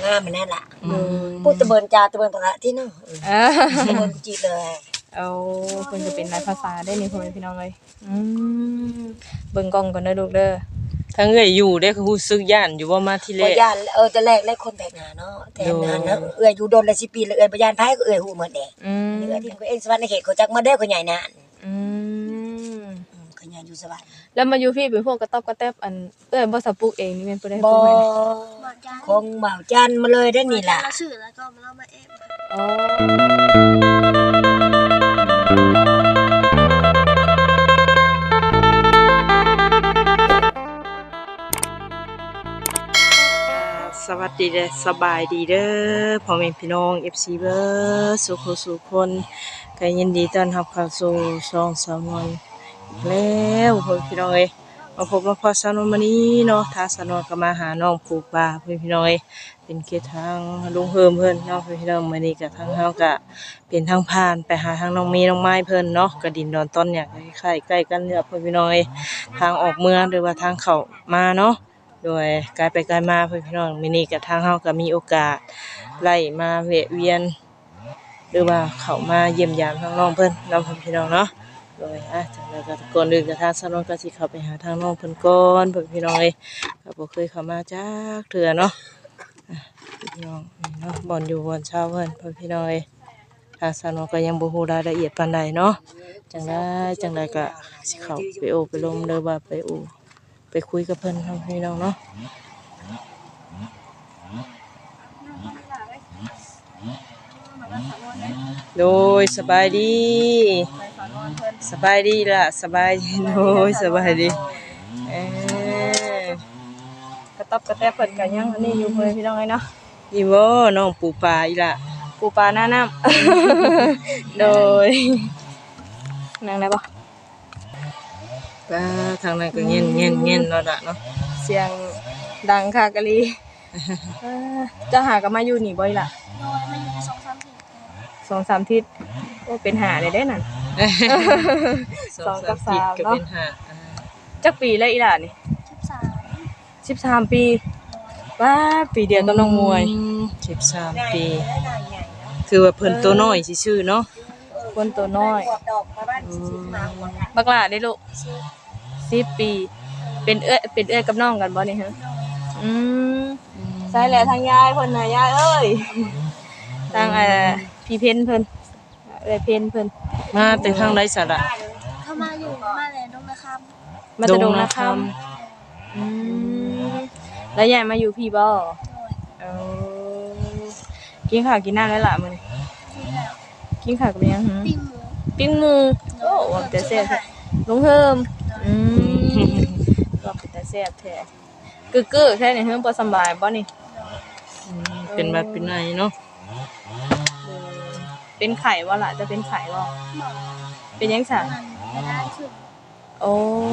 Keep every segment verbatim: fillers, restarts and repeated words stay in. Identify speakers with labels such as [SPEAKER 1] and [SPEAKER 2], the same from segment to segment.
[SPEAKER 1] งามมันนั่นล่ะพูดตะเบินจาตะเบินปะที่เนาะตะเบินจีเลย
[SPEAKER 2] เอาเพิ่นจะเป็นหลายภาษาได้นี่พ่อแม่พี่น้องเอ้ยอืมเบิ่งกล้องก่อนเด้อลูกเด้อ
[SPEAKER 3] ทั้งเอ้ยอยู่ได้คือรู้สึกย่านอยู่บ่มาที่แรก
[SPEAKER 1] บ่ย่านเออแต่แรกแรกคนแปลกหน้าเนาะแต่นานนะเอ้ยอยู่โดนละสิบปีแล้วเอ้ยบ่ย่านไผก็เอ้ยฮู้หมดแหละอืมเอ้ยที่เอ็นสวรรค์ในเขตเขาจักมาเด้อเขาใหญ่นานอืมเขาใหญ่อยู่สวรรค์
[SPEAKER 2] แล้วมาอยู่พี่เป็นพวกกระต๊อบกระแต๊บอันเอ้ยบ่สะปุกเองนี่แม่นบ่ได้
[SPEAKER 1] บ่คงเบาจันมาเลยได้นี่ล่ะ
[SPEAKER 4] ชื่อแล้วก็มาเล่ามาเอง
[SPEAKER 2] อ๋อ
[SPEAKER 3] สวัสดีเด้อสบายดีเด้อพ่อแม่พี่น้อง เอฟ ซี เบิร์สุขสุขคนก็ยินดีต้อนรับเข้าสู่ช่องสาวนวลอีกแล้วพ่อพี่น้องเอ้ยมาพบมาพอสาวนวลมื้อนี้เนาะถ้าสาวนวลก็มาหาน้องปู่ป่าพ่อพี่น้องเอ้ยเป็นเกียรติทางลุงเพิ่มเพิ่นเนาะพ่อพี่น้องมื้อนี้ก็ทางเฮาก็เป็นทางผ่านไปหาทางน้องเมย์น้องไม้เพิ่นเนาะก็ดินดอนต้นเนี่ยคล้ายๆใกล้กันเนี่ยพ่อพี่น้องเอ้ยทางออกเมืองหรือว่าทางเข้ามาเนาะโดยกลายไปกลายมาเพื่อนพี่น้องมินี่กับทางเฮาก็มีโอกาสไล่มาแวะเวียนหรือว่าเข้ามาเยี่ยมยามทางน้องเพิ่นน้องเพิ่นพี่น้องเนาะโดยอ่ะจังได๋ก็ก่อนอื่นก็ทางสนนก็สิเข้าไปหาทางน้องเพิ่นก่อนเพิ่นพี่น้องเอ้ยก็บ่เคยเข้ามาจักเทื่อเนาะอ่ะพี่น้องนี่เนาะบ่อนอยู่บ่อนเช่าเพิ่นเพิ่นพี่น้องเอ้ยทางสนนก็ยังบ่ฮู้รายละเอียดปานใดเนาะจังได๋จังได๋ก็สิเข้าไปโอ้ไปลมหรือว่าไปอู้ไปคุยกับเพิ่นทำให้น้องเนาะโดยสบายดีสบายดีล่ะสบายดีโดยสบายดีเอ
[SPEAKER 2] อกระต๊อบกระแต๊บเพิ่นก็ยังอันนี้อยู่เพิ่นพี่น้องเอ้ยเนาะ
[SPEAKER 3] นี่บ่น้องปูปลาอีล่ะ
[SPEAKER 2] ปูปลาหน้าน้ำโดยนั่งได้บ่
[SPEAKER 3] ป้าทางนั้นก็เงี้ยเงี้ยเงี้ยเนาะล่ะเนาะ
[SPEAKER 2] เสียงดังค่ะกะลีจะหากันมาอยู่นี่บ่อยล่ะ
[SPEAKER 4] โดยมาอยู่ในสองสามทิศ
[SPEAKER 2] สองสามทิศโอ้เป็นหาเลยได้นั่นสองกับสามเนาะจักปีแล้วอีหล่ะนี่
[SPEAKER 4] สิบสาม
[SPEAKER 2] สิบสามปีว้าปีเดียวกับน้องมวย
[SPEAKER 3] สิบสามปีคือว่าเพิ่นตัวน้อยซื่อๆเนาะ
[SPEAKER 2] เพิ่นตัวน้อยบักหล่าได้ลูกสิบปีเป็นเอื้อเป็นเอื้อกับน้องกันบ่นี่ฮะอืมใช่แหละทางยายเพิ่นน่ะยายเอ้ยทางเอ่อพี่เพ็ญเพิ่นเอ้ยเพ็ญเพิ่น
[SPEAKER 3] มาแต่ทางใดซะล่ะ
[SPEAKER 4] เข้ามาอยู่มาแล้วดงนาคำ
[SPEAKER 2] มาแต่ดงนาคำอืมแล้วยายมาอยู่พี่บ่เออกินข้าวกินน้ำแล้วล่ะมื้อนี้กินข้าวกับยังหึปิ้งหมูโอ้ว่าแต่แซ่บลุงเฮิมอืมว่าแต่แซ่บแท้กึกๆแท้นี่เฮิมบ่สบายบ่นี่
[SPEAKER 3] เป็นแบบเป็นไงเนาะ
[SPEAKER 2] เป็นไข้บ่ล่ะจะเป็นไข้บ่เป็นยังซะโอ้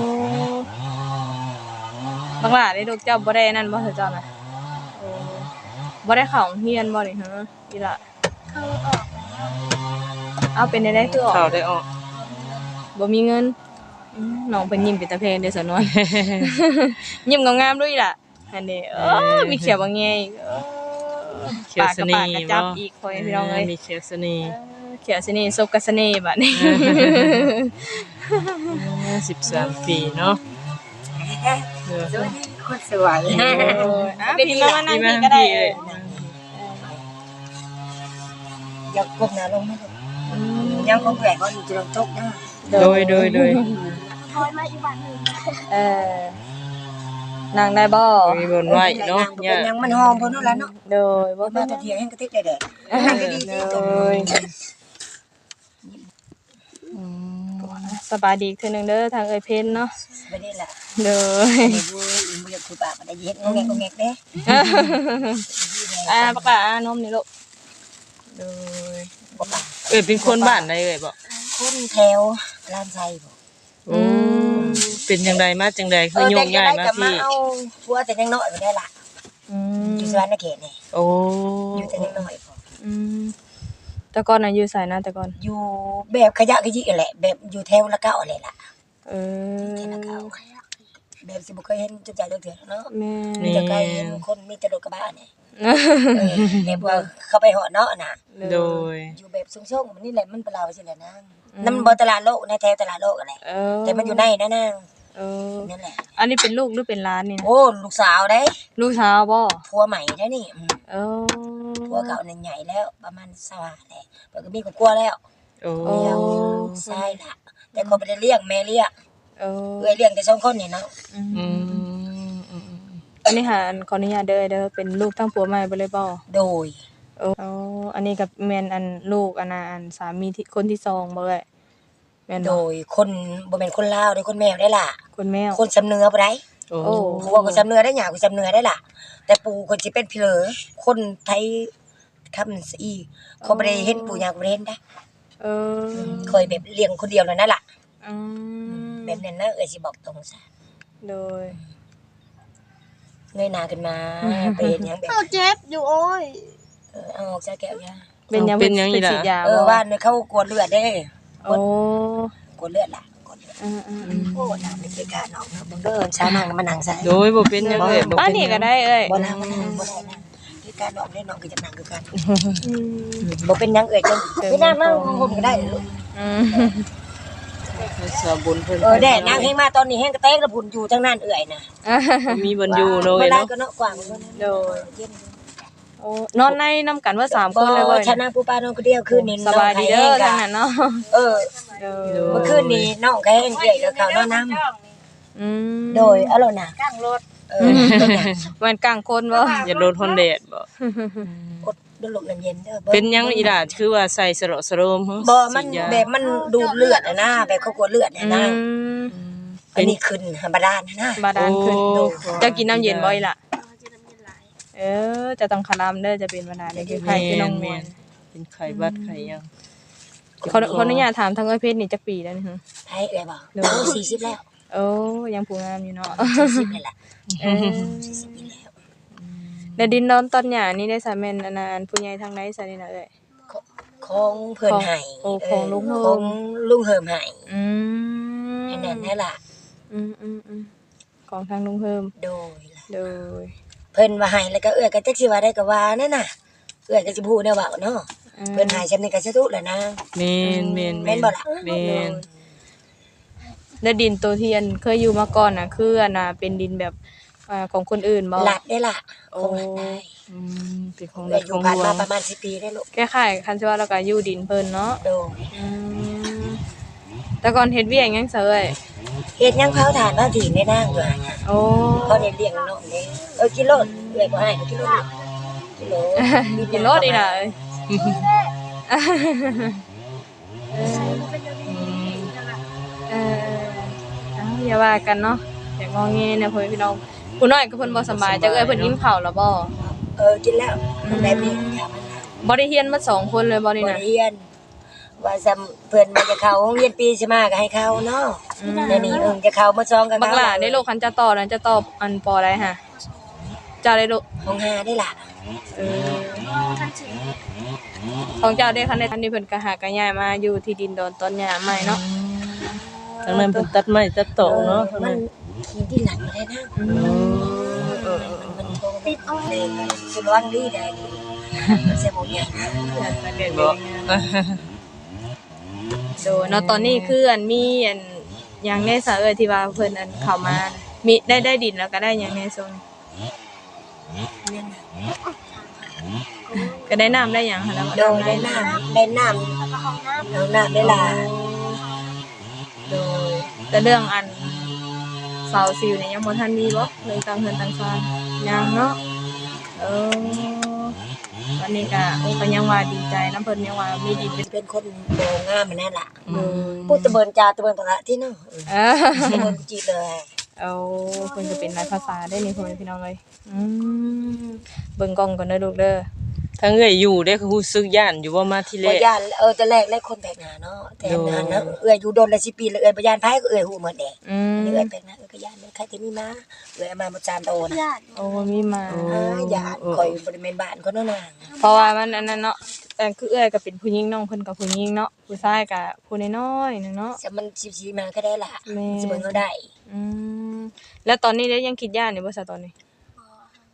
[SPEAKER 2] บักหล่าได้ลูกเจ้าบ่ได้นั่นบ่เจ้าน่ะโอ้บ่ได้เข้าโรงเรียนบ่นี่ฮะอีล่ะ
[SPEAKER 4] เข้าออก
[SPEAKER 2] เอาเป็นได้คือออก
[SPEAKER 3] เข้าได้ออก
[SPEAKER 2] บ่มีเงินน้องเพิ่นยิ้มเป็นตาแพงเด้อสาวนวลยิ้มงามๆด้วยล่ะอันนี้เออมีเขียวบางแงอีก
[SPEAKER 3] เขียวเสน่ห์
[SPEAKER 2] ปากจับอีกพ่อพี่น้องเอ้ย
[SPEAKER 3] มีเขียวเสน่ห์
[SPEAKER 2] เขียวเสน่ห์ซบกับเสน่ห์บัดนี้
[SPEAKER 3] สิบสามปีเนาะ
[SPEAKER 1] สวัสดีคนสวย
[SPEAKER 2] อ่ะพี่มานั่งพี่ก็ได้
[SPEAKER 1] อยากกบหน้าลงมั้ยยังคงแหวกก็อยู่จะลงตกนะ
[SPEAKER 3] โดยโดยโดย
[SPEAKER 4] ถอยมาอีกบ้านนึง
[SPEAKER 2] เออนั่งได้บ่
[SPEAKER 3] มีบนไว้เนาะ
[SPEAKER 1] เนี่ยยังมันหอมเพิ่นนั่นแหละเนาะ
[SPEAKER 2] โดยบ่
[SPEAKER 1] มาแต่เที่ยงกระติกได้แดดนั่งก็ดีสิโดย
[SPEAKER 2] อืมสบายดีเทื่อนึงเด้อทางเอ้ยเพ็ญเนาะ
[SPEAKER 1] บ่ได้ล่ะ
[SPEAKER 2] โดย
[SPEAKER 1] นี่บ่อยากคุยปากบ่ได้เฮ็ดงงงงเด้
[SPEAKER 2] อ่าปากอ่านมนี่ลูกโดย
[SPEAKER 3] เอ้ยเป็นคนบ้านใดเอ้ยบ่
[SPEAKER 1] คนแถวลานไซบ่
[SPEAKER 3] อืมเป็นจังไดมาจังได๋คือโยงย้ายมาพี่
[SPEAKER 1] เอาผัวแต่ยังน้อยบ่ได้ล่ะอืมอยู่สวรรค์นเขตนี่
[SPEAKER 3] โอ้
[SPEAKER 1] อยู่แต่ยังน้อยพอ
[SPEAKER 2] อืมแต่ก่อนน่ะอยู่ไสนะแต่ก่อน
[SPEAKER 1] อยู่แบบขยะขยิแหละแบบอยู่แถวละเก้าแหละล่ะ
[SPEAKER 2] เออ
[SPEAKER 1] แถวละเก้าแบบสิบ่เคยเห็นจักจักเทื่อเนาะ
[SPEAKER 2] แม่
[SPEAKER 1] มีแต่เคยเห็นคนมีแต่รถกระบะนี่เออแบบว่าเข้าไปเหาะเนาะน่ะ
[SPEAKER 3] โดย
[SPEAKER 1] อยู่แบบสูงๆมันนี่แหละมันเป็นเราสิแหละนางนั่นมันบ่ตลาดโลกในแถวตลาดโลกอะไร
[SPEAKER 2] เออ
[SPEAKER 1] แต่มันอยู่ในนะนาง
[SPEAKER 2] เออ
[SPEAKER 1] นั่นแหละ
[SPEAKER 2] อันนี้เป็นลูกหรือเป็นหลานนี่นะ
[SPEAKER 1] โอ้ลูกสาวได้
[SPEAKER 2] ลูกสาวบ่
[SPEAKER 1] ผัวใหม่ได้นี่อืม
[SPEAKER 2] เออ
[SPEAKER 1] ผัวเก่านั่นใหญ่แล้วประมาณสว่างแหละเพิ่นก็มีครอบครัวแล้ว
[SPEAKER 3] โอ้
[SPEAKER 2] โอ้
[SPEAKER 1] เดียวใช่ล่ะแต่คนบ่ได้เลี้ยงแม่เลี้ยง
[SPEAKER 2] เออ
[SPEAKER 1] เอ้ยเลี้ยงแต่สองคนนี่เนาะ
[SPEAKER 2] อืม
[SPEAKER 3] อืมอืม
[SPEAKER 2] อันนี้หาอันขออนุญาตเด้อเด้อเป็นลูกทั้งผัวใหม่บ่เลยบ่
[SPEAKER 1] โดย
[SPEAKER 2] โอ้อันนี้กับแม่นอันลูกอันน่ะอันสามีที่คนที่สองบ่เอ้ยแม่น
[SPEAKER 1] โด
[SPEAKER 2] บ่
[SPEAKER 1] ยคนบ่แม่นคนลาวเด้อคนแมวได้ล่ะ
[SPEAKER 2] คนแมว
[SPEAKER 1] คนสำเนือบ่ได้
[SPEAKER 3] โอ้
[SPEAKER 2] โอ้
[SPEAKER 1] ผัวก็สำเนือได้หยังก็สำเนือได้ล่ะ แต่ปู่คนสิเป็นพี่เหลอคนไทยคำอีเขาบ่ได้เห็นปู่ย่าก็บ่ได้เห็นได้
[SPEAKER 2] เออ
[SPEAKER 1] เคยแบบเลี้ยงคนเดียวนั่นน่ะล่ะ
[SPEAKER 2] อืม
[SPEAKER 1] แบบนั้นนะเอ้ยสิบอกตรงซะ
[SPEAKER 2] โดย
[SPEAKER 1] เงยหน้าขึ้นมาไปเฮ็ดหยังแบบ
[SPEAKER 4] เอาเจ็บอยู่โอ้ย
[SPEAKER 1] เออเอาออกจากแก้วย่า
[SPEAKER 2] เป็นยัง
[SPEAKER 3] เป็นยังอี
[SPEAKER 2] เป็น
[SPEAKER 3] ล่ะ
[SPEAKER 2] ฉีดยา
[SPEAKER 1] เออ
[SPEAKER 2] บ่
[SPEAKER 1] ว่าเนี่ยเขากวดเลือดเด้
[SPEAKER 2] โอ้
[SPEAKER 1] กวดเลือดล่ะกวดเลือด
[SPEAKER 2] อืมอืมอืม
[SPEAKER 1] โอ้น้ำในเกกาเนาะเบิ่งเด้อช้านางมานั่งใส่
[SPEAKER 3] โดยบ่เป็นหยังเอ้ยบ่
[SPEAKER 2] ป้า
[SPEAKER 3] เป็น
[SPEAKER 2] นี่
[SPEAKER 3] หยั
[SPEAKER 2] ก็
[SPEAKER 3] ง
[SPEAKER 2] ได้เอ้ย
[SPEAKER 1] บ่นั่งบ่นั่งบ่ได้นั่งเกกาเนาะได้เนาะก็จะนั่งคือกันบ่เป็นหยังเอ้ยจังไม่น่ามาหุ่นก็ได้ลูก
[SPEAKER 2] อืม
[SPEAKER 3] สาบุญเพิ่น
[SPEAKER 1] เออแด่นางแฮงมาตอนนี้แฮงกระเตกระพุ่นอยู่ทั้งนั้นเอ้ยน่ะ
[SPEAKER 3] มีบนอยู่โดย
[SPEAKER 1] บ่ได้
[SPEAKER 3] เนาะ
[SPEAKER 1] ก็เนาะกว้างกว่านั้น
[SPEAKER 2] โดย โอ้นอนในนํกันว่าสามคนเลย
[SPEAKER 1] บ่
[SPEAKER 2] เว้ย
[SPEAKER 1] ชนะผู้ป้าน้องคนเดียวคืนนี้
[SPEAKER 2] สบายดีเด้อทางนั้นเนาะ
[SPEAKER 1] เออ
[SPEAKER 2] เออ
[SPEAKER 1] เมื่อคืนนี้น้องก็แฮงเอ้ยกับเขาเนาะน้ำ
[SPEAKER 2] อืม
[SPEAKER 1] โดยเอาล่ะน่ะ
[SPEAKER 4] กลางรถ
[SPEAKER 1] เออเป็นหยัง
[SPEAKER 2] เหมือนกลางคนบ่
[SPEAKER 3] อย่าโดนคนแดดบ่
[SPEAKER 1] อดดลกน้ำเย็นเด้อ
[SPEAKER 3] เป็นหยังอีหล่ะคือว่าใส่สระสโรมหึ
[SPEAKER 1] บ่มัน
[SPEAKER 3] ฉีดยา
[SPEAKER 1] แบบมันดูดเลือดอะนะแบบเขากลัวเลือด
[SPEAKER 2] อื
[SPEAKER 1] อะนะ
[SPEAKER 2] ม
[SPEAKER 1] อันนี้ขึ้นธรรมดานะนะ
[SPEAKER 2] บาดาลขึ้น
[SPEAKER 3] โอ้
[SPEAKER 2] จะกินน้ำเย็นบ่อีล่ะ
[SPEAKER 4] เราจะน้ำเย็นไหล
[SPEAKER 2] เออ จะต้องคารามเด้อจะเป็นบาดาลเด้อคือใครคือน้องมวล
[SPEAKER 3] เป็นไข้บัดไข้หยัง
[SPEAKER 2] ขอขออนุญาตถามทางเอ้ยเพชรนี่จักปีแล้วนี่ฮะ
[SPEAKER 1] ไทยเอ้ยบ่
[SPEAKER 2] เดี๋ยว
[SPEAKER 1] โอ้สี่สิบแล้ว
[SPEAKER 2] โอ้ยังผู้งามอยู่เนาะ
[SPEAKER 1] สี่สิบเลยล่ะ
[SPEAKER 2] เออ
[SPEAKER 1] สี่สิบปีแล้ว
[SPEAKER 2] แล้วดินดอนตอนหญ้านี่ได้สาแม่นอันนั้นผู้ใหญ่ทางใดซะนี่น่ะเอ้ย
[SPEAKER 1] ของเพิ่นให้
[SPEAKER 2] โอ้ของลุงเฮิม
[SPEAKER 1] ของลุงเฮิมให้
[SPEAKER 2] อืม
[SPEAKER 1] อันนั้นนั่นล่ะ
[SPEAKER 2] อืมอืมอืมของทางลุงเพิ่ม
[SPEAKER 1] โดยล่ะ
[SPEAKER 2] โดย
[SPEAKER 1] เพิ่นว่าให้แล้วก็เอื้อยก็จักสิว่าได้ก็ว่านั่นน่ะเอื้อยก็สิพูดแนวเว้าเนาะเพิ่นให้ฉันนี่ก็สะทุแล้วนะ
[SPEAKER 3] แม่นแม่น
[SPEAKER 1] แม่นบ่ล่ะ
[SPEAKER 3] แม่น
[SPEAKER 2] แล้วดินตัวที่อันเคยอยู่มาก่อนน่ะคืออันน่ะเป็นดินแบบอ่าของคนอื่นบ่
[SPEAKER 1] หลัดได้ล่ะ
[SPEAKER 2] โอ้
[SPEAKER 1] คงหลัดได้
[SPEAKER 3] อืมเป็นของ
[SPEAKER 1] เอื้
[SPEAKER 3] รั
[SPEAKER 1] อย
[SPEAKER 3] ฐ
[SPEAKER 1] อ
[SPEAKER 3] ข
[SPEAKER 1] ยู่
[SPEAKER 3] อง
[SPEAKER 1] ผ่าน
[SPEAKER 3] หลว
[SPEAKER 1] มาง ประมาณสิบปีได้ลูก
[SPEAKER 2] แก้ไขคันสิว่าแล้วก็อยู่ดินเพิ่นเนาะ
[SPEAKER 1] โดย
[SPEAKER 2] อืมแต่ก่อนเฮ็ดเวียกหยังซะเอ้ย
[SPEAKER 1] เฮ็ดหยังเผาถ่านเผาถิ่นได้นางอยู่หั่นน่ะ
[SPEAKER 2] โอ้
[SPEAKER 1] เขาได้เลี้ยงน้องนี่เออกิโลเอื้อยบ่ให้กิโลกิโล
[SPEAKER 2] กินรถอีกน่ะเอ้ย
[SPEAKER 4] ใช่มันเป็นอย่างนี้นั่นแหละ
[SPEAKER 2] เออเอาอย่าว่ากันเนาะอย่างงอแงเนี่ยพ่อแม่พี่น้องผู้น้อยก็เพิ่นบ่สำบายจักเอ้ยเพิ่นอิ่มข้าวแล้วบ่
[SPEAKER 1] เออกินแล้วมันแบบนี้อย่ามันนะ
[SPEAKER 2] บ่ได้เรียนมาสองคนเลยบ่นี่
[SPEAKER 1] บ่
[SPEAKER 2] น่ะ
[SPEAKER 1] ได้เรียนว่าซำเพิ่นมาจะเข้าโรงเรียนปีสิมาก็ให้เข้าเนาะเดี๋ยวนี้เอิ้นจะเข้ามาซองกัน
[SPEAKER 2] บักหล่าได้ลูกคันจะต่อนั้นจะตอบอันปอได้ฮะเจ้าได้ลูก
[SPEAKER 1] ของหาได้ล่ะ
[SPEAKER 2] เออ
[SPEAKER 4] ท่านสิ
[SPEAKER 2] ของเจ้าได้คันได้คันนี้เพิ่นก็หากันย้ายมาอยู่ที่ดินดอนตอนหญ้าใหม่เนาะ
[SPEAKER 3] ทางนั้นเพิ่นตัดไม้ตัดโตะเนาะทาง
[SPEAKER 1] มั
[SPEAKER 3] นั้น
[SPEAKER 1] นกินที่หลังบ่ได้นะ
[SPEAKER 3] เออเออ
[SPEAKER 1] มันโทรติดเอาเลยสิระวังดีได้ดีมันสิบ่เนี่ย
[SPEAKER 3] บ่
[SPEAKER 2] โดยเนาะตอนนี้คืออันมีอันหยังในสะเอ้ยที่ว่าเพิ่นอันเข้ามามีได้ได้ดินแล้วก็ได้หยังในโซนก็ได้น้ำได้หยังหั่นแล้ว
[SPEAKER 1] โดยได้น้ำได้น้ำ
[SPEAKER 4] แล้วก็ห้องน้ำ
[SPEAKER 1] เอาน้ำได้ล่ะ
[SPEAKER 2] โดยแต่เรื่องอันเสาซิวเนี่ยยังบ่ทันมีบ่เลยต่างเฮือนต่างซานยังเนาะเออวันนี้ก็โอ้ก็ยังว่าดีใจนำเพิ่นยังว่ามีดินเป็น
[SPEAKER 1] เป็นคนบ่งามมันนั่นล่ะ
[SPEAKER 3] อืม
[SPEAKER 1] พูดตะเบินจาตะเบินปะที่เนาะ
[SPEAKER 2] เออ
[SPEAKER 1] ตะเบินจีเลย
[SPEAKER 2] เอาเพิ่นจะเป็นหลายภาษาได้นี่พ่อแม่พี่น้องเอ้ยอืมเบิ่งกล้องก่อนเด้อลูกเด้อ
[SPEAKER 3] ทางเอ้ยอยู่ได้คือรู้สึกย่านอยู่ว่ามาที่แร
[SPEAKER 1] บ่
[SPEAKER 3] ก
[SPEAKER 1] ย่านเออแต่แรกแรกคนแปลกหน้าเนาะแต่นานนะเอื้อยอยู่โดนละสิปีแล้วเอื้อยบ่ย่านไผก็เอื้อยฮู้หมดแด
[SPEAKER 2] อืม
[SPEAKER 1] เอื้อยแปลกหน้าเอื้อยก็ย่านเลยใครที่มีมาเอื้อยเอามาบ่จานโตนะ
[SPEAKER 4] ญาติ
[SPEAKER 2] โอ้มีมา
[SPEAKER 1] อ่าย่านข่อยบ่ได้แม่นบ้านเขาเนาะนาง
[SPEAKER 2] เพราะว่ามันอันนั้นเนาะแต่คือเอ้อยก็เป็นผู้หญิงน้องเพิ่นก็ผู้หญิงเนาะผู้ชายก็ผู้น้อยๆนึงเนาะ
[SPEAKER 1] จะมันสิๆมาก็ได้ล่ะ
[SPEAKER 2] แม่
[SPEAKER 1] สิเบิ่งเอาได้
[SPEAKER 2] อืมแล้วตอนนี้ได้ยังคิดย่านอยู่บ่ซะตอนนี้
[SPEAKER 1] แบ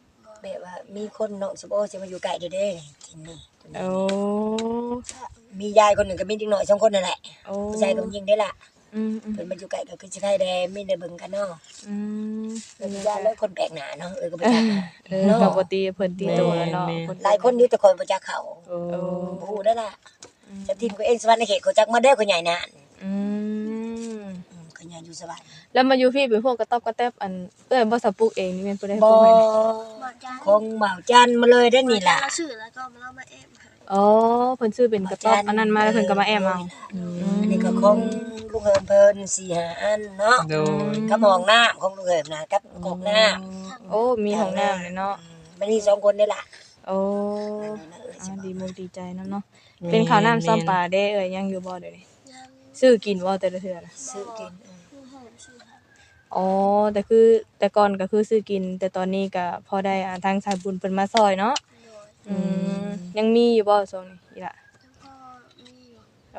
[SPEAKER 1] แบบว่ามีคนน้องสมโอสิมาอยู่ใกล้เด้อเด้กินนี่
[SPEAKER 2] โอ้
[SPEAKER 1] มียายคนหนึงก็มีเด็กน้อยสองคนนั่นแหละ
[SPEAKER 2] โอ้
[SPEAKER 1] ผู้ชายกับผู้หญิงได้ล่ะ
[SPEAKER 2] อืมอืม
[SPEAKER 1] เพิ่นมาอยู่ใกล้ก็คือสิใครแดมีได้เบิ่งกันเนาะ
[SPEAKER 2] อืม
[SPEAKER 1] เพิ่นยายเลยคนแปลกหน้าเนาะเออก็บ่จัก
[SPEAKER 2] เออกับปกติเพิ่นตีตัวแล้วเนาะ
[SPEAKER 1] หลายคนอยู่แต่คนบ่จักเขา
[SPEAKER 3] โอ้
[SPEAKER 1] บ่ฮู้ได้ล่ะจะทีมก็เองสวรรค์ในเขตเขาจักมาได้คนใหญ่นาน
[SPEAKER 2] อืม
[SPEAKER 1] อืมคนใหญ่อยู่สวรรค์
[SPEAKER 2] แล้วมาอยู่พี่เป็นพวกกระต๊อบกระแตบอันเอ้ยบ่สับปลูกเองนี่แม่นบ่ได้ป
[SPEAKER 1] บ่
[SPEAKER 2] ลูกให้
[SPEAKER 4] บอกจ้า
[SPEAKER 1] คงเบาจันมาเลยได้อนี่ล่ะ
[SPEAKER 4] เราซื้อแล้วก็มาเล่ามาแอมให้
[SPEAKER 2] อ๋อเพิ่นซื้อเป็นกระต๊อบอันนั้นมาแล้วเพิ่นก็มาแอมเอา
[SPEAKER 1] อันนี้ก็ของลูกเหิมเพิ่นสี่ห้าอันเนาะ
[SPEAKER 3] โดย
[SPEAKER 1] กับห้องน้ำของลูกเหิมนะกับกอกน้ำ
[SPEAKER 2] โอ้มีห้องน้ำเลยเนาะ
[SPEAKER 1] มันมีสองคนนี่ล่ะ
[SPEAKER 2] โอ้อ่าดีมุกดีใจนำเนาะเป็นข้าวน้ำซ้ำปลาเด้เอ้ยยังอยู่บ่เดี๋ยวนี้
[SPEAKER 4] ยัง
[SPEAKER 2] ซื้อกินบ่แต่ละเทื่อน่ะ
[SPEAKER 1] ซื้อกิน
[SPEAKER 4] ผู้โหมซื้อให้
[SPEAKER 2] อ๋อแต่คือแต่ก่อนก็คือซื้อกิน แต่ตอนนี้ก็พอได้อ่าทางสายบุญเพิ่นมาซอยเนาะ
[SPEAKER 4] โดย
[SPEAKER 2] อืมยังมีอยู่บ่ช่วงนี้อีหล่ะ
[SPEAKER 4] แล้วก็มีอยู่
[SPEAKER 2] โอ้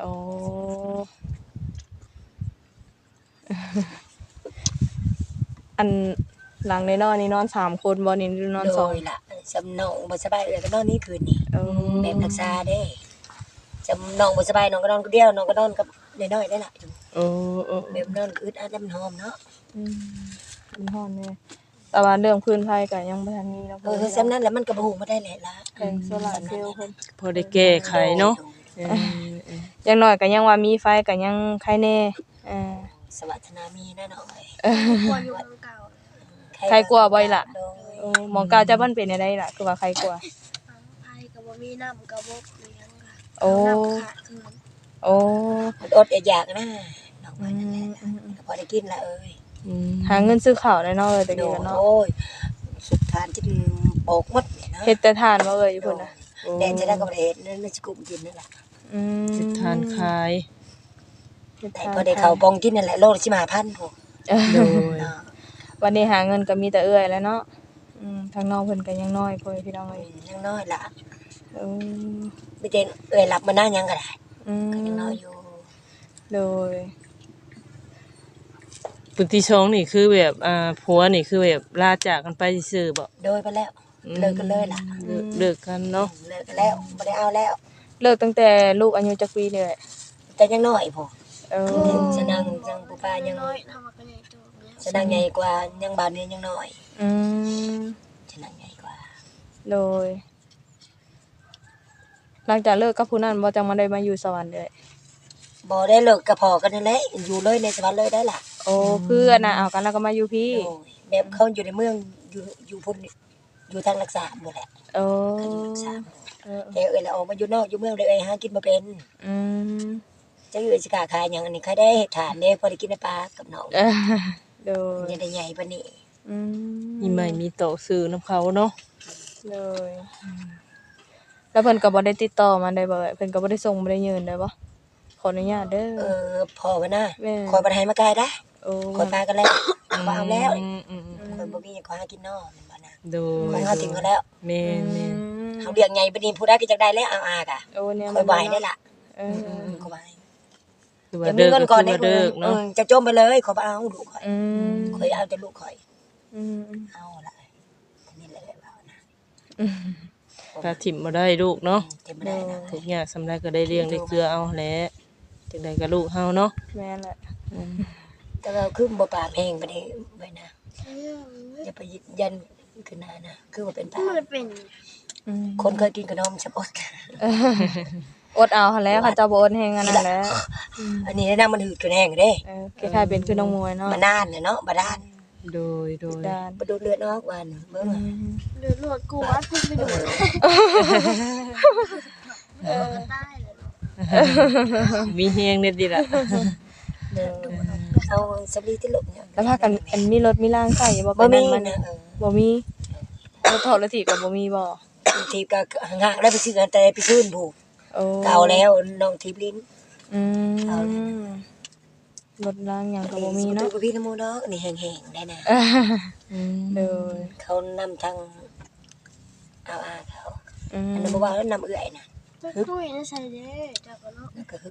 [SPEAKER 2] อันหลังในนอนนี่นอนสามคนบ่นี่หรือนอนสอง
[SPEAKER 1] โดยล่ะสำนองบ่สบายเอ้ยก็นอนนี่คืนนี่
[SPEAKER 2] เออ
[SPEAKER 1] แบบรักษาเด้สำนองบ่สบายน้องก็นอนคนเดียวน้องก็นอนกับน้อยๆได้ล่ะ
[SPEAKER 3] โอ้โอ้
[SPEAKER 1] แบบนอนก็อึดอัดแล้วมันหอมเนาะ
[SPEAKER 2] อืมมันฮ้อนแน่แต่ว่าเรื่องพื้นไผก็ยังบ่ทันมีเนาะ
[SPEAKER 1] เออสำนั้นแล้วมันก็บ่ฮู้มาได้แหละล่ะ
[SPEAKER 2] แผงโซล่าร์เซลล์เพิ่น
[SPEAKER 3] พอได้แก้ไขเนาะเออ
[SPEAKER 2] อย่างน้อยก็ยังว่ามีไฟก็ยังใครแน่เออ
[SPEAKER 1] สวัสนามีแน่นอน
[SPEAKER 4] กลัวอยู่เมืองเก่า
[SPEAKER 2] ใครกลัวบ่อยล่ะ
[SPEAKER 1] โดย
[SPEAKER 2] โอ้หมองกาวจะมันเป็นจังไดล่ะคือว่าใครกลัว
[SPEAKER 4] ไผก็บ่มีน้ำก็บ่เลี้ยงค่ะ
[SPEAKER 2] โอ้
[SPEAKER 4] น้ำขาดคืน
[SPEAKER 2] โอ้
[SPEAKER 1] มันอดอยากนะน้องว่านั่นแหละพอได้กินละเอ้ย
[SPEAKER 3] อืม
[SPEAKER 2] หาเงินซื้อข้าวได้เนาะเอ้ยตะ
[SPEAKER 1] โด
[SPEAKER 2] กี้
[SPEAKER 1] ย
[SPEAKER 2] ก็เนาะ
[SPEAKER 1] โอ้ยสุดทานที่โปกหมดนี่นะ
[SPEAKER 2] เฮ็ดแต่ทานบ่เอ้ยอยู่พุ่นน่ะ
[SPEAKER 1] แดนจะได้ก็บ่ได้เฮ็ดนั่นน่ะสิกุมกินนั่นล่ะ
[SPEAKER 2] อืม
[SPEAKER 3] สิทานขาย
[SPEAKER 1] แต่พอได้เข้าปองกินนั่นแหละโลละสิบห้าพันพอ
[SPEAKER 2] เออ
[SPEAKER 3] โดย
[SPEAKER 1] เนาะ
[SPEAKER 2] วันนี้หาเงินก็มีแต่เอื้อยแล้วเนาะอืมทางน้องเพิ่นก็ยังน้อยพ่อพี่น้องเอ้ย
[SPEAKER 1] ยังน้อยล่ะ
[SPEAKER 2] เออ
[SPEAKER 1] ไม่ได้เอ้ยรับมาหน้ายังก็ได้
[SPEAKER 2] อืม
[SPEAKER 1] ก็ยังน้อยอยู่
[SPEAKER 2] โดย
[SPEAKER 3] ปุติชงนี่คือแบบอ่าผัวนี่คือแบบลาจากกันไปซื่อๆบ่
[SPEAKER 1] โดยไปแล้วเลิกกันเลยล่ะ
[SPEAKER 3] เลิกเลิกกันเนาะ
[SPEAKER 1] เลิกกันแล้วบ่ได้เอาแล้ว
[SPEAKER 2] เลิกตั้งแต่ลูกอายุจักปีนี่แหละ
[SPEAKER 1] แต่ยังน้อยพอ
[SPEAKER 2] เออ
[SPEAKER 1] ฉะนั้นยังผู้ป้ายัง
[SPEAKER 4] น้อยทำมาก็ใหญ่โตแล้ว
[SPEAKER 1] ฉะนั้นใหญ่กว่ายังบานนี้ยังน้อย
[SPEAKER 2] อืม
[SPEAKER 1] ฉะนั้นใหญ่กว่า
[SPEAKER 2] โดย หลังจากเลิกกับผู้นั้นบ่จังมาได้มาอยู่สวรรค์เลย
[SPEAKER 1] บ่ได้เลิกกับพ่อกันนั่นแหละอยู่เลยในสวรรค์เลยได้ล่ะ
[SPEAKER 2] โอ้เพื่อนน่ะเอากันแล้วก็มาอยู่พี่
[SPEAKER 1] โอ้ยแบบเขาอยู่ในเมืองอยู่อยู่พุ่นอยู่ทางรักษาหมดแหละ
[SPEAKER 2] โอ้
[SPEAKER 1] เขาอยู่รักษา
[SPEAKER 2] เออ
[SPEAKER 1] แต่เอ้ยละออกมาอยู่นอกอยู่เมืองเลยเอ้ยหากินบ่เป็น
[SPEAKER 2] อืม
[SPEAKER 1] จะอยู่สิกาขายหยังอันนี้ใครได้เฮ็ดทานเด้พอได้กินในปลากับน้อง
[SPEAKER 2] เออโดย
[SPEAKER 1] ยังได้ใหญ่ปานนี้
[SPEAKER 2] อืม
[SPEAKER 3] มีใหม่มีโตซื้อนํเขาเนาะ
[SPEAKER 2] โดยแล้วเพิ่นก็บ่ได้ติดต่อมาได้บ่เอ่ยเพิ่นก็บ่ได้ส่งบ่ได้ยืนได้บ่ขออนุญาตเด้
[SPEAKER 1] เอ
[SPEAKER 2] อ
[SPEAKER 1] อพ่อว่านะ
[SPEAKER 2] แม่
[SPEAKER 1] คอยบ่ได้ให้มาไกลได้
[SPEAKER 2] โอ้
[SPEAKER 1] คอยปลากันแล้วบ่เอาแล้ว
[SPEAKER 3] อืมอืม
[SPEAKER 1] คอยบ่มีหยังขอหากินนอกแม่นบ่นะ
[SPEAKER 3] โด
[SPEAKER 1] คอย ยเฮาทิ้งเขาแล้ว
[SPEAKER 3] แม่นแม่น
[SPEAKER 1] เฮาเลี้ยงใหญ่ปานนี้ผู้ใดก็จักได้แล้วเอาอากะ
[SPEAKER 2] โอ้เนี่ย
[SPEAKER 1] คอยบ่ให้ได้ล่ะ
[SPEAKER 2] เออ
[SPEAKER 1] อืมคอยบ่ให้
[SPEAKER 3] คือว่า
[SPEAKER 1] จะมี
[SPEAKER 3] เลิก
[SPEAKER 1] เงิน
[SPEAKER 3] ก็
[SPEAKER 1] ก่อน
[SPEAKER 3] คือ
[SPEAKER 1] ได้
[SPEAKER 3] ว่าเลิก
[SPEAKER 1] เอ
[SPEAKER 3] เนาะ
[SPEAKER 1] อจะจมไปเลยขอยบ่เอาลูกข่อย
[SPEAKER 2] อืม
[SPEAKER 1] ข่อยเอาแต่ลูกข่อย
[SPEAKER 2] อืม
[SPEAKER 1] เอาล่ะอันนี้แหละว่านะ
[SPEAKER 2] อืม
[SPEAKER 3] ก็ถิ่มบ่ได้ลูกเนาะ
[SPEAKER 1] เต็มบ่ได้นะ
[SPEAKER 3] ทุกอย่างสำาไรก็ได้เลี้ยงได้เกลือเอาแหละจังไดก็ลูกเฮาเนาะ
[SPEAKER 2] แม่นแหละ
[SPEAKER 3] อืม
[SPEAKER 1] แต่ว่าคือบ่ปากแห้งปานนี้ไว้นะ
[SPEAKER 4] เออ
[SPEAKER 1] อย่าไปยึดยันขึ้นหน้านะคือว่าเป็นปา
[SPEAKER 4] มันเป็น
[SPEAKER 2] อืม
[SPEAKER 1] คนเคยกินขนมชับอด
[SPEAKER 2] อดเอาหั่นแหล้วเขาเจ้าบ่อดแฮงอันนั้นแหละ
[SPEAKER 1] อันนี้นะมันหืดขึ้นแห้งเด้
[SPEAKER 2] เออคล้ายๆเป็นคือน้องมวยเนาะ
[SPEAKER 1] มานานเนี่ยเนาะบ่ด้าน
[SPEAKER 3] โดยโดย
[SPEAKER 2] ด้าน
[SPEAKER 1] บ่ดูดเลือดออกวันเบิ่ง
[SPEAKER 2] อื
[SPEAKER 1] ว่า
[SPEAKER 2] ม
[SPEAKER 4] เลือดลวดกูวัดเพิ่งไปดูเออใต้เลยเนาะ
[SPEAKER 3] มีเฮงเด็ดดีล่ะ
[SPEAKER 1] เด้อเอาสำลีที่ลูกเนี่ย
[SPEAKER 2] แล้วพากันอันมีรถมีร่างใส่บ่
[SPEAKER 1] บ่
[SPEAKER 2] ไป
[SPEAKER 1] มี
[SPEAKER 2] นั่นมัน
[SPEAKER 1] นะเออ
[SPEAKER 2] บ่มีรถถอดรถถีบก็บ่มีบ่
[SPEAKER 1] ทีก็ห่างๆแล้วไปซื้อกันแต่ไปซื้อผูก
[SPEAKER 2] โอ้
[SPEAKER 1] เก่าแล้วน้องทิพลิ้น
[SPEAKER 2] อืม
[SPEAKER 1] เอาเลยนะ
[SPEAKER 2] รถร่างหยังก็บ่มีเนาะ
[SPEAKER 1] ดูกับพี่นโมเนาะนี่แห้งๆได้นะ
[SPEAKER 3] อืม
[SPEAKER 2] เด้อ
[SPEAKER 1] เขานำทางเอาอาเขา
[SPEAKER 2] อืม
[SPEAKER 1] อันนั้นบ่ว่าแล้วนำเอื้อยน่ะ
[SPEAKER 4] จะตุ้ยนะใส่เด้จับกันเนาะ
[SPEAKER 1] นั่นก็คือ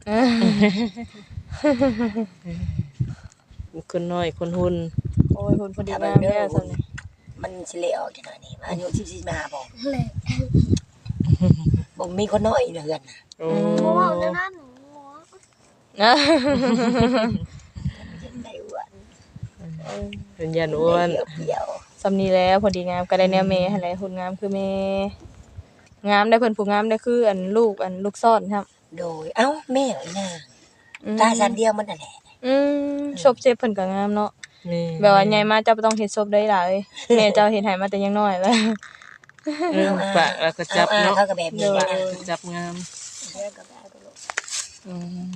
[SPEAKER 3] คนน้อยคนหุ่น
[SPEAKER 2] โอ้ยคนพอดีงามแท้ซั่นนี่
[SPEAKER 1] มันสิเละออกจังได๋นี่อายุสิบสี่มาบ่
[SPEAKER 4] เลย
[SPEAKER 1] บ่มีคนน้อยเฮือนน่ะ
[SPEAKER 3] โอ้
[SPEAKER 4] เพราะว่าแล้วนั่นหนูหัว
[SPEAKER 2] นะ
[SPEAKER 1] ได้อ้วน
[SPEAKER 3] เป็นยันอ้วน
[SPEAKER 1] เหี่ยว
[SPEAKER 2] สำนี้แล้วพอดีงามก็ได้แนวแม่หั่นแหละหุ่นงามคือแม่งามได้เพิ่นผู้งามได้คืออันลูกอันลูกซ่อนครับ
[SPEAKER 1] ๆโดยเอ้าแม่เอ้ยน่ะ
[SPEAKER 2] อืม
[SPEAKER 1] ตาชั้นเดียวมันนั่นแหละ
[SPEAKER 2] อืมศพเจ็บเพิ่นก็งามเนาะ
[SPEAKER 3] นี่
[SPEAKER 2] แบบว่าใหญ่มาเจ้าบ่ต้องเฮ็ดศพได้หลายแม่เจ้าเฮ็ดให้มาแต่ยังน้อยแล้ว
[SPEAKER 3] เออปากแล้วก็จับ
[SPEAKER 1] อ
[SPEAKER 3] เนาะ
[SPEAKER 1] เขาก็แบบนี้
[SPEAKER 3] ปา
[SPEAKER 1] นะ
[SPEAKER 3] กก็จับงาม
[SPEAKER 1] เดี๋ยวก็ได้ก็ลูก
[SPEAKER 3] อืม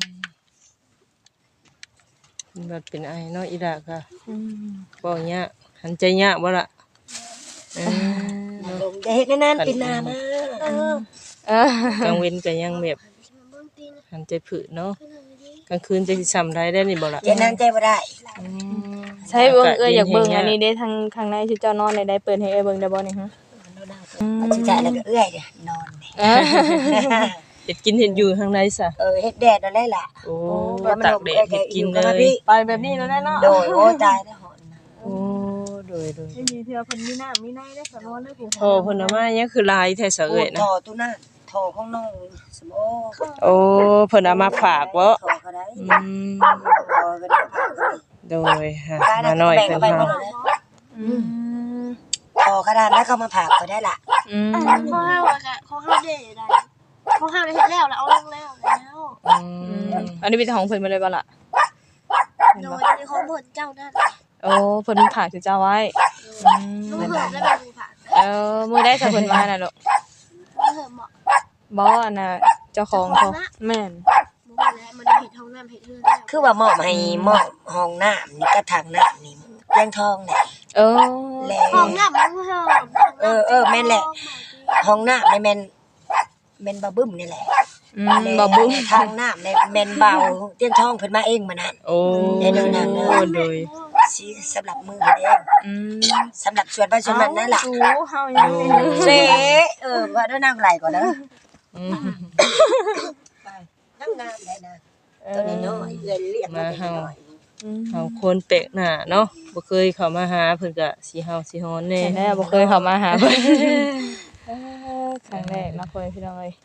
[SPEAKER 3] บัดเป็นไอเนาะอีดาค่ะ
[SPEAKER 2] อืม
[SPEAKER 3] บ่ยากหันใจยากบ่ล่ะเออเนาะ
[SPEAKER 1] ลงจะเฮ็ดนานๆปินหน้ามา
[SPEAKER 4] เออ
[SPEAKER 2] เออก
[SPEAKER 3] ลางเว้นก็ยังแบบ
[SPEAKER 4] เบื้องตีน
[SPEAKER 3] หันใจผึเนาะ
[SPEAKER 4] ขึ้นเลยดิ
[SPEAKER 3] กลางคืนจะสิซ้ำได้ได้นี่บ่ล่ะ
[SPEAKER 1] เจะนานใจบ่ได้
[SPEAKER 3] อืม
[SPEAKER 2] ใช้เบิ่งเอ้ยอยากเบิ่งอันนี้เด้ทางข้างในที่เจ้านอนได้ได้เปิดให้เอ้ยเบิ่งได้บ่นี่ฮะ
[SPEAKER 1] เอาสิจ่ายแล้วก็เอื้อยเด้อนอนนี่
[SPEAKER 2] เออ
[SPEAKER 3] เฮ็ดกินเฮ็ดอยู่ข้างในซะ
[SPEAKER 1] เออเฮ็ดแดดนั่นแหละล่ะ
[SPEAKER 3] โอ้
[SPEAKER 1] แล้วมัน
[SPEAKER 3] ตาก
[SPEAKER 1] ลม
[SPEAKER 3] แด
[SPEAKER 1] เอ้
[SPEAKER 3] ด
[SPEAKER 1] ย
[SPEAKER 3] เฮ็ดกิน
[SPEAKER 1] อยู่
[SPEAKER 3] เล
[SPEAKER 1] กับมาย พี่
[SPEAKER 2] ไปแบบนี้แล้วได้เนาะ
[SPEAKER 1] โดยโอ้ตายแล้วหอน
[SPEAKER 3] โอ้โดยโดย
[SPEAKER 2] มีเทื่อเพิ่นมีน้ำมีในได้สนวนได้ผู้
[SPEAKER 3] โอ้เพิ่นเอามายังคือลายแท้เสะ
[SPEAKER 1] โอ้
[SPEAKER 3] เอ้ยนะ
[SPEAKER 1] ทอตู้นั่นทอของน้องสมโอ
[SPEAKER 3] โอ้เพิ่นเอามาฝากบ่
[SPEAKER 1] ทอก็ได้
[SPEAKER 3] อืม
[SPEAKER 1] ทอก็ได้ฝากก็ได้
[SPEAKER 3] โดยฮะ
[SPEAKER 1] กา
[SPEAKER 3] มาหน่อย
[SPEAKER 1] แบ่ง
[SPEAKER 3] เพิ่
[SPEAKER 1] กัน นไปหม
[SPEAKER 3] เฮา
[SPEAKER 1] ดเลย
[SPEAKER 2] อืม
[SPEAKER 1] ทอกระดานแล้วก็มาผากก็ได้ล่ะ
[SPEAKER 2] อืม
[SPEAKER 4] ข้อห้าวอะข้อห้าวเด็ดได้ข้อห้าวได้เห็นแล้วแล้วเอาลงแล้วแล้ว
[SPEAKER 3] อืม
[SPEAKER 2] อันนี้เป็นของเพิ่นมาเลยบ่ล่ะ
[SPEAKER 4] โดยในข้อมูลเจ้านั่น
[SPEAKER 2] โอ้เพิ่นผากสิเจ้าไว้อื
[SPEAKER 4] ลูก
[SPEAKER 2] ม
[SPEAKER 4] เหิมและแบบมือผ่าน
[SPEAKER 2] เออมื้อได้ถ้าเพิ่นมาน่ะลูก
[SPEAKER 4] ลูกเหิมเหมาะ
[SPEAKER 2] บ่อันน่ะเจ้าของเขาแม่น
[SPEAKER 4] มือผ่านแล้วมันได้เห็ดท้องน้ำเห็ดเลือดแล้ว
[SPEAKER 1] คือว่ามอบให้มอบห้องน้ำนี่กระถางน้ำนี่แยงทองแหละ
[SPEAKER 2] เออ
[SPEAKER 1] แล้
[SPEAKER 4] ท้อ
[SPEAKER 1] ว
[SPEAKER 4] งน้ำมันก็เหิม
[SPEAKER 1] เออเออแม่นแหละ ห้องน้ำในแม่นแม่นบาบึ้มนี่แหละ
[SPEAKER 2] อืมบ่บุ้ง
[SPEAKER 1] ทางน้ำในแม่นเบาเตียงทองเพิ่นมาเองมานั่น
[SPEAKER 3] โอ้
[SPEAKER 1] ได้ดูหนังเนอะ
[SPEAKER 3] โดย
[SPEAKER 1] สิสำหรับมือเพิ่นเอง
[SPEAKER 2] อืม
[SPEAKER 1] สำหรับส่วนบ้านส่วนนั้นนั่นล่ะ
[SPEAKER 2] สูเฮายังไม่รู้
[SPEAKER 1] เสเออว่าด้วยนั่งไหลก่อนเด้อ
[SPEAKER 3] อืม
[SPEAKER 1] ไปนั่งงามได้นะตัวนี้น้อยเอื้อยเรียกมาเป็นน้อย
[SPEAKER 2] อืม
[SPEAKER 3] เฮาคนแปลกหน้าเนาะบ่เคยเข้ามาหาเพิ่นก็สิเฮาสิฮ้อนแน่
[SPEAKER 2] เห็นได้บ่เคยเข้ามาหาเพิ่นเออครั้งแรกเนาะเพิ่นพี่น้องเอ้ย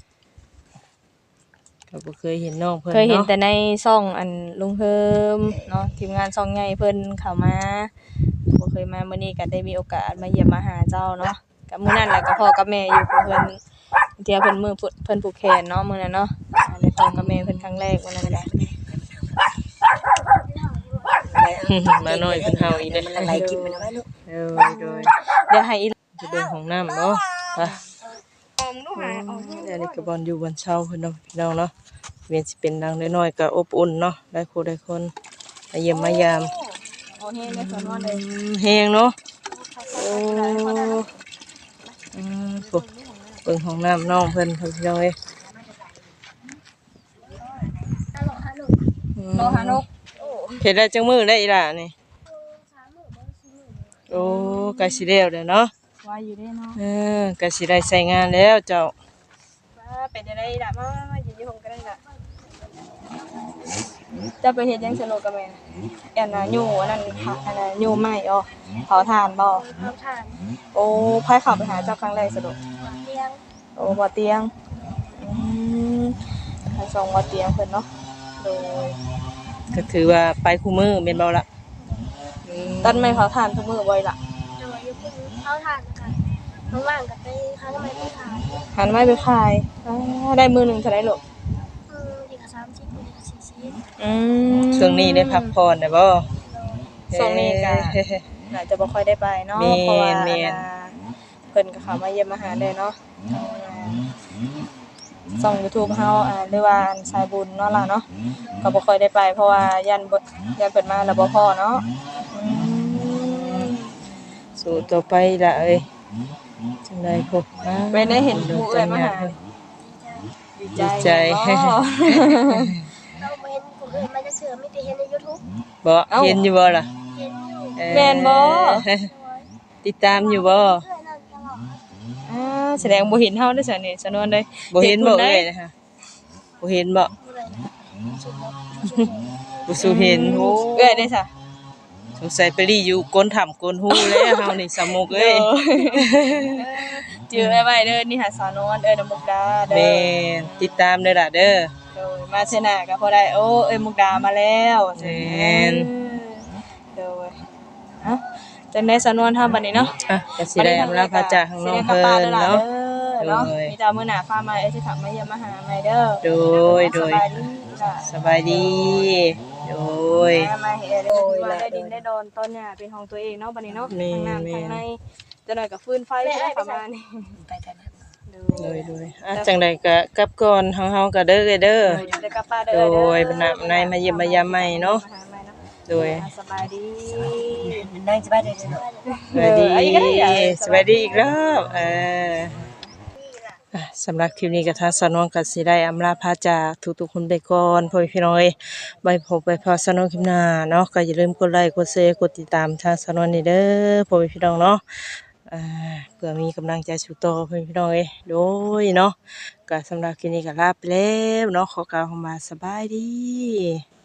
[SPEAKER 3] ก็บ่เคยเห็นน้องเพิ่น
[SPEAKER 2] เคยเห็น
[SPEAKER 3] เนาะ
[SPEAKER 2] แต่ในซ่องอันลุงเฮิมเนาะทีมงานซ่องใหญ่เพิ่นเข้ามาบ่เคยมามื้อนี้ก็ได้มีโอกาสมาเยี่ยมมาหาเจ้าเนาะก็มื้อนั้นแหละก็พ่อกับแม่อยู่เพิ่นเที่ยเพิ่นมือเพิ่นผูกแขนเนาะมื้อนั้นเนาะอ่าได้พ่อกับแม่เพิ่นครั้งแรกมื้อนั้นแหละ
[SPEAKER 3] มาหน่อยเพิ่นเฮาอีกเด้
[SPEAKER 1] มันละลายกินมันเอาไว้ลูก
[SPEAKER 3] โดยโดย
[SPEAKER 2] เดี๋ยวให้อี
[SPEAKER 3] จะเบิ่งห้องน้ำเนาะไปเดี๋ยวนี้ก็บอนอยู่บนเช้าเพิ่นเนาะพี่น้องเนาะเวียนสิเป็นดังน้อยๆก็อบอุ่นเนาะได้คู่ได้คนมาเยี่ยมมายาม
[SPEAKER 2] โอเฮงได้สอนว่าเลย
[SPEAKER 3] อืมแฮงเนาะโอ้อืมโหเบิ่งห้องน้ำน้องเพิ่นเพิ่นพี่น้องเอ้ย
[SPEAKER 4] ฮัลโหลฮัลโหล
[SPEAKER 3] อืม
[SPEAKER 2] โลหานก
[SPEAKER 3] เฮ็ดได้จังมื้อได้อีหล่ะนี่
[SPEAKER 4] สามหมื่นบาทสี่หมื่น
[SPEAKER 3] โอ้ก็สิแล้วเด้อเนาะ
[SPEAKER 2] ว่าอยู่ได้เนาะ
[SPEAKER 3] เออก็สิได้ใช้งานแล้วเจ้า
[SPEAKER 2] ว่าเป็นจังได๋ล่ะมามาอยู่ที่ผมก็ได้ล่ะจะไปเฮ็ดหยังสนุกกับแม่อันน่ะอยู่อันนั้นค่ะอันน่ะอยู่ไม้อ๋อเผาถ่านบ่
[SPEAKER 4] ทำทาน
[SPEAKER 2] โอ้ไผเข้าไปหาเจ้าครั้งแรกสนุก
[SPEAKER 4] เตียง
[SPEAKER 2] โอ้บ่เตียงอืมทางสองบ่เตียงเพิ่นเนาะโดย
[SPEAKER 3] ก็ถือว่าไปคู่มือแม่นบ่ล่ะอืม
[SPEAKER 2] ตัดไม้เผาถ่านทุกมื้อบ่อยล่ะ
[SPEAKER 4] โดยยกมือเข้าทานนะคะข้างล่างกับไปข้างทำไมไปขาย
[SPEAKER 2] หันไม้ไปขายอ่าได้มื้อหนึงเท่าไดลูก
[SPEAKER 4] อืมดีกับสามชิ้นดีกับสี่ชิ้น
[SPEAKER 2] อืม
[SPEAKER 3] ช่วงนี้ได้พักผ่อนได้บ่
[SPEAKER 2] ช่วงนี้ก็
[SPEAKER 3] เฮ้
[SPEAKER 2] น่าจะบ่ค่อยได้ไปเนาะ
[SPEAKER 3] แม่น
[SPEAKER 2] เพราะว่า
[SPEAKER 3] แม่น
[SPEAKER 2] อ่าเพิ่นก็เข้ามาเยี่ยมมาหาเลยเนาะช่อง YouTube เฮาอ่าหรือว่าอันสายบุญเนาะล่ะเนาะก็บ่ค่อยได้ไปเพราะว่ายันบ่ยันเพิ่นมาแล้วบ่พอเนาะอืม
[SPEAKER 3] สู้ต่อไปล่ะเอ้ยจังได๋พบมา
[SPEAKER 2] ไปได้เห็นหมู่เอ้ยมาหาดีใจ
[SPEAKER 3] ดีใจ
[SPEAKER 2] เนาะ
[SPEAKER 4] เราไม่เห็นคนอื่นมันจะเชื่อไม่ได้เห็นในยูทูบ
[SPEAKER 3] บ่
[SPEAKER 2] เอ้า
[SPEAKER 3] เห็นอยู่บ่ล่ะ
[SPEAKER 4] เห็นอยู่
[SPEAKER 3] เอ่อ
[SPEAKER 2] แม่นบ่
[SPEAKER 3] ติดตามอยู่บ่
[SPEAKER 4] เพื่อนนั่นตลอด
[SPEAKER 2] อ่าแสดงบ่เห็นเฮาเด้อซั่นนี่สนวนเด้
[SPEAKER 3] บ่เห็นบ่
[SPEAKER 2] เด้
[SPEAKER 3] เอ้ยนะคะบ่เห็นบ่
[SPEAKER 4] เมื่อไหร่นะสุดแล้ว
[SPEAKER 3] บ่สู้เห็นโอ้
[SPEAKER 2] เอ้ยได้ซะ
[SPEAKER 3] สงสัยไปรีอยู่ก้นถ้ำก้นหูแล้วเฮานี่สามุกเอ้ย
[SPEAKER 2] เจอไว้ไว้เด้อนี่หาสาวนวลเอ้ยน้ำมุกดาเด้อ
[SPEAKER 3] แม่นติดตามเด้อล่ะเด้อ
[SPEAKER 2] โดยมาเชนะก็พอได้โอ้เอ้ยมุกดามาแล้ว
[SPEAKER 3] แม่น
[SPEAKER 2] โดยเอ้าจังได๋สาวนวลทำบัดนี้เนาะ
[SPEAKER 3] อ่ะก็สิได้อำลาพระจากข้างนอกเพิ่นเนาะ
[SPEAKER 2] เนาะ
[SPEAKER 3] โดย
[SPEAKER 2] มีตามื้อหน้าฟ้ามาเอ้ยสิถามมาเยี่ยมมาหาใหม่เด้อ
[SPEAKER 3] โดยโดย
[SPEAKER 2] สบายดี
[SPEAKER 3] สบายดี
[SPEAKER 2] จ้ะ
[SPEAKER 3] โดย
[SPEAKER 2] มามาเฮ็ดได้ว่าได้ดินได้ดอนต้นหญ้าเป็นของตัวเองเนาะบัดนี้เนาะ
[SPEAKER 3] แม่
[SPEAKER 2] ทางน้ำ
[SPEAKER 3] แม่
[SPEAKER 2] ทางในจะหน่อยก็ฟืนไฟได้ประมาณนี้
[SPEAKER 1] ไปทางนั้น
[SPEAKER 3] โดยโดยอ่ะจังใดก็กลับก่อนเฮาเฮาก็เด้อเอ้ยเด้อ
[SPEAKER 2] เดี๋ยวกลับป้าเด้
[SPEAKER 3] โด
[SPEAKER 2] อเด้อย
[SPEAKER 3] บรรณาในมาเยี่ยมมายามใหม่เนาะ
[SPEAKER 2] มาหาใหม่เนาะ
[SPEAKER 3] โดย
[SPEAKER 2] สบายดี
[SPEAKER 1] นั่งสบายดีเนาะ
[SPEAKER 3] สวัสดี
[SPEAKER 2] เอออันนี้ก็ได้อ่ะ
[SPEAKER 3] สวัสดีอีกรอบเอออ่ะสำหรับคลิปนี้ก็ทางสนองก็สิได้อำลาพาจากทุกๆคนไปก่อนพ่อพี่น้องเอ้ยไว้พบไปพอสนองคลิปหน้าเนาะก็อย่าลืมกดไลค์กดแชร์กดติดตามทางสนองนี่เด้อพ่อพี่น้องเนาะอ่าเพื่อมีกำลังใจสู่ต่อพ่อพี่น้องเอ้ยโดยเนาะก็สำหรับคลิปนี้ก็ลาไปแล้วเนาะขอกล่าวคำว่าสบายดี